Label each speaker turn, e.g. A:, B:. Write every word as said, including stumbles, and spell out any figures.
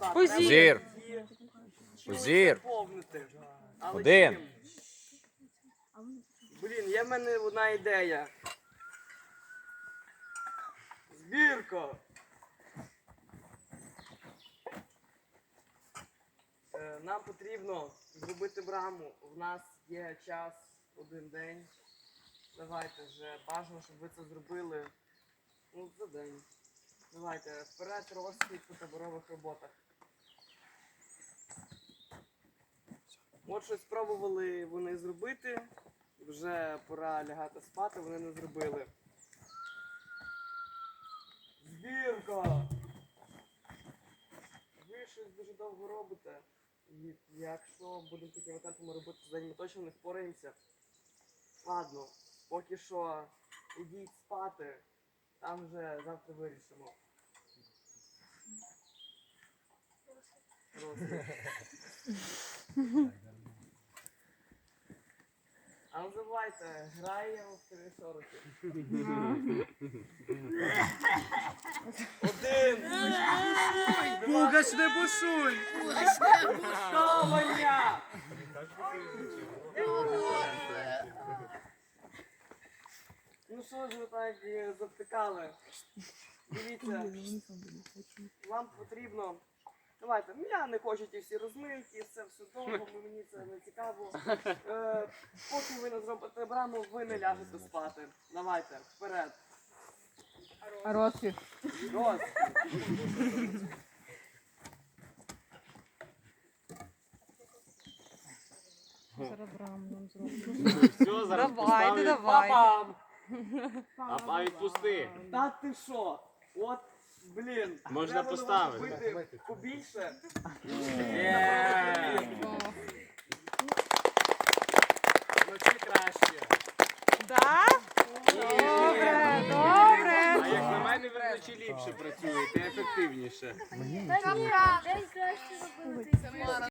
A: Так,
B: Позір.
A: треба її
B: Позір.
A: заповнити. Але
B: Один.
A: чим? Блін, є в мене одна ідея. Збірка. Е, Нам потрібно зробити браму. У нас є час один день. Давайте вже бажано, щоб ви це зробили. Ну, за день. Давайте, вперед розхід по таборових роботах. От щось спробували вони зробити. Вже пора лягати спати, вони не зробили. Збірка! Ви щось дуже довго робите. І якщо будемо такими темпами робити за день, ми точно не впораємося. Ладно, поки що ідіть спати, там вже завтра вирішимо. Розгляд. А не забувайте, граємо в три сороки. Один!
C: Пугач не бушуй!
A: Що, Ваня? Ну що ж ви так і завтикали? Дивіться, вам потрібно... Давайте, я не хочу ті всі розминки, це все довго, мені це не цікаво. Е, поки ви не зробите браму, ви не ляжете спати. Давайте, вперед.
D: Розкіш.
A: Роз.
D: Зараз браму нам зробимо.
E: Все, зараз
D: Давайте,
E: поставлю.
D: давайте.
A: Папам!
E: А па відпусти.
A: Та ти що? От, блін.
E: Можна
A: треба
E: поставити.
A: робити побільше.
E: Є. Ну чи краще.
D: Да? Добре, добре.
E: А як на мене, ви вночі ліпше працюєте, ефективніше.
F: Та ні, день краще робили.